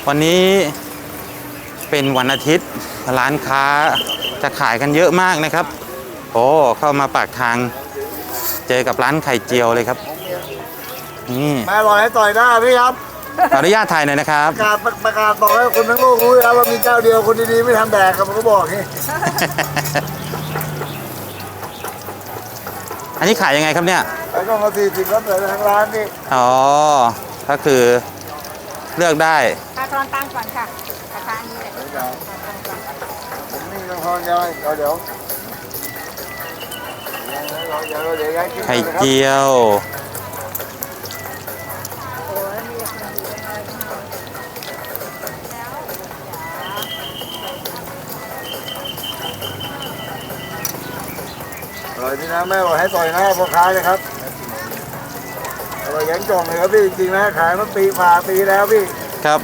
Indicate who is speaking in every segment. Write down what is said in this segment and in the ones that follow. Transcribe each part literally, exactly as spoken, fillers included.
Speaker 1: วันนี้เป็นวันอาทิตย์ร้านค้าจะขายกันเยอะมากนะครับโอ้เข้ามาปากทางเจอกับร้านไข่เจียวเลยครับนี่
Speaker 2: แม่บอกให้ต่อยหน้าพี่ครับ
Speaker 1: ขออนุญาตถ่ายหน่อยนะครับ
Speaker 2: ประกาศประกาศบอกให้คนทั้งโลกรู้แล้วว่ามีเจ้าเดียวคนดีๆไม่ทำแดกครับผมก็บอกนี่
Speaker 1: อันนี้ขายยังไงครับเนี่ย
Speaker 2: ไอ้กล้องละสี่สิบครับแต่ทางร้านนี่
Speaker 1: อ๋อก็คือเลือกได้
Speaker 3: ค่าทอนตั้งก่อนค่ะราคานี้เลย
Speaker 2: ผมนี่ต้องทอนยังเดี๋ยวเดี๋ยว
Speaker 1: ไข่เจียว
Speaker 2: อร่อยพี่นะแม่บอกให้ต่อยหน้าพ่อค้าเลยครับอร่อยยังจ่องเลยครับพี่จริงๆนะขายมาปีฝ่าปีแล้วพี่
Speaker 1: ครับ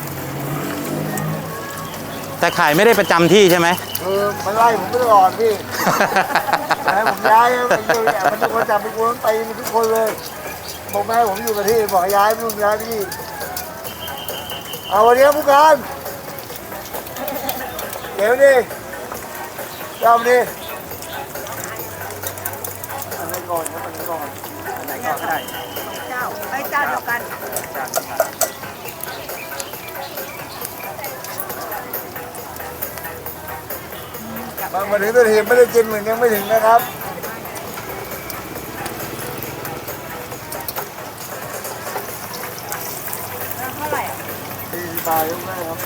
Speaker 1: แต่ขายไม่ได้ประจำที่ใช่ไหม
Speaker 2: คือมันไล่ผมตลอดพี่ให้ผมย้ายมันอยู่เนี่ยมันทุกคนจับไปกวนตีมันทุกคนเลยบอกแม่ผมอยู่กับที่บอกย้ายไม่รู้ย้ายที่เอาวันนี้ผู้การเดี๋ยวดิเจ้าดิอันไหนก่อนครับอันไหนก่อนอันไหนก่อนก็ได้
Speaker 3: เจ้าไอ้เจ้าเดียวกัน
Speaker 2: บางมาถึงตัวทีไม่ได้กินเหมือนยังไม่ถึงนะครับ
Speaker 3: เท่าไหร่
Speaker 2: สี่สิบบาทยังไงครับ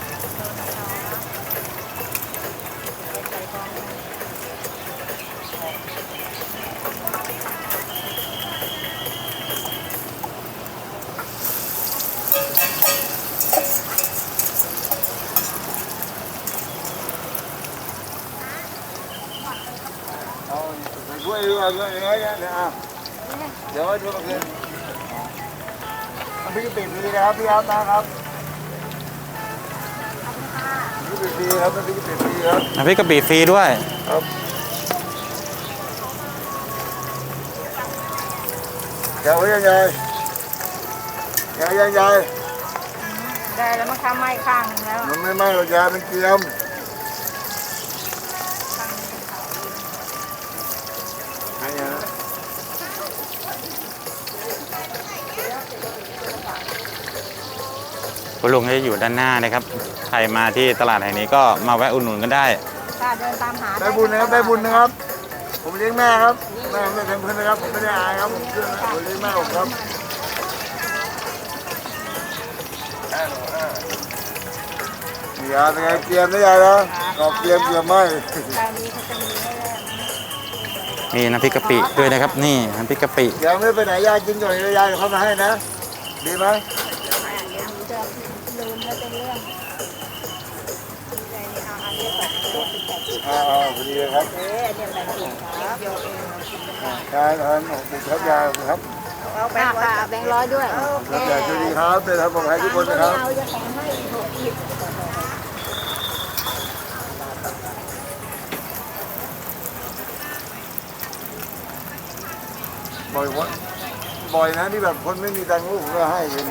Speaker 2: ช่วยดูอะไรน้อยๆนะอ่ะเดี๋ยวช่วยมาคืนน้ำพริกกะปิฟรีนะครับพี่ครับนะครับน้ำพริกกะปิฟรีครับน้ำพริกกะปิฟรีครับ
Speaker 1: น้ำพริกกะปิฟรีด้วย
Speaker 2: ครับเดี๋ยวยังไงเดี๋ยวยังไง
Speaker 3: ได้แล้วมันทำไหม้ข้างแล้ว
Speaker 2: มันไม่ไหม้หรอกยาเป็นเกลียม
Speaker 1: คุณลุงจะอยู่ด้านหน้านะครับใครมาที่ตลาดแห่งนี้ก็มาแวะอุดหนุนกันได้
Speaker 3: ค่ะเดินตามหา
Speaker 2: ได้บุญนะครับได้บุญนะครับผมเลี้ยงแม่ครับแม่ไม่เป็นเพื่อนนะครับผมไม่ได้อายครับผมเชื่อนะผมเลี้ยงแม่ผมครับยาเป็นไงเตรียมได้ยังนะกอบเตรียมเตรียมไหม
Speaker 1: มีน้ำพริกกะปิด้วยนะครับนี่น้ำพริกกะปิ
Speaker 2: ยังไม่ไปไหนยายกินก่อนยายเขามาให้นะดีไหมอ่าพอดีเลยครับ
Speaker 3: เอ๊ะเนี่ยแบ่งถุงครับเดียวเอง
Speaker 2: ยายทานติดครับยายครับ
Speaker 3: เอาแบงค์ร้อยแบงค์ร้อยด้วยโอเค
Speaker 2: ยายสวัสดีครับเป็นทางผมให้ทุกคนนะครับ
Speaker 3: เอาจะแบ่งให้หกสิบ
Speaker 2: บ่อยวัดบ่อยนะที่แบบคนไม่มีตังค์ลูกผมก็ให้เป็น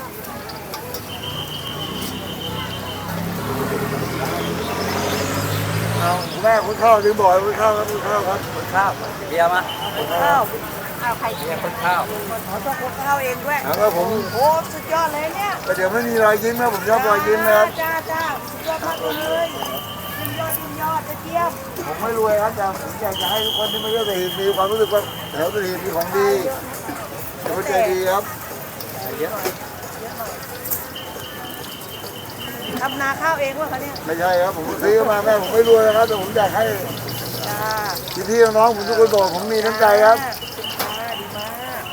Speaker 2: เอาแม่คุณข้าวถึงบ่อยคุณข้าวครับคุณข้าวครับ
Speaker 4: คุณข้าวเบียร์มา
Speaker 3: คุณข้าวเอาไข่
Speaker 4: เบียร์คุณข้าว
Speaker 3: ขอต้องคุณข้าวเองด้วย
Speaker 2: แล้วผม
Speaker 3: โอ้สุดยอดเลยเนี่ย
Speaker 2: เดี๋ยวไม่มีรอยยิ้มนะผมชอบรอยยิ้มนะครับ
Speaker 3: จ้าจ้าสุดยอดมากเลยยิ้มยอดยิ้มยอดเจี๊ยบ
Speaker 2: ผมไม่รวยครับแต่ผมอยากจะให้ทุกคนที่มาเที่ยวสถิตมีความรู้สึกว่าแถวสถิตมีของดีเดี๋ยวใจดีครับ
Speaker 4: เยอะ
Speaker 3: ทำนาข้าวเองวะคะเนี่ย
Speaker 2: ไม่ใช่ครับผมซื้อมาแม่ผมไม่รวยนะครับแต่ผมอยากให้พี่พี่น้องผมทุกคนบอกผมมีน้ำใจครับ
Speaker 3: ดีมาก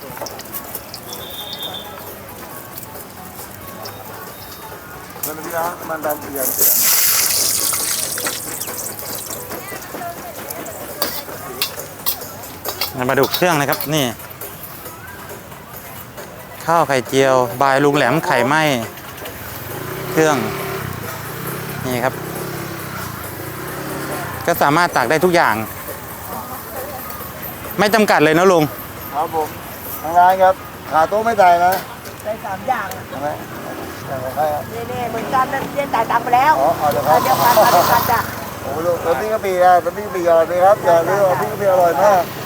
Speaker 2: มันพี่นะมันดำเปลี่ยนเปลี่ยน
Speaker 1: มาดูเครื่องนะครับนี่ข้าวไข่เจียวบายลุงแหลมไข่ไหม้เครื่องนี่ครับก็สามารถตักได้ทุกอย่างไม่จำกัดเลยนะลุง
Speaker 2: ครับผมทางร้านครับขาโต๊ะไม่ตายนะ
Speaker 3: ใส่สามอย่าง
Speaker 2: ใช่ไหมใครครับ
Speaker 3: นี่นี่เหมือนกันนั่นเรียนจ่ายตังค์ไปแล้ว
Speaker 2: อ๋อเอาเดี๋ยวค
Speaker 3: เอ
Speaker 2: รั
Speaker 3: อบ เดียวกันเอาเดียวกันจ้ะ
Speaker 2: โอ้โหลูกตัวนี้ก็ปีนะตัวนี้ก็ปีอร่อยไหมครับอย่าลืมตัวนี้ก็ปีอร่อยมาก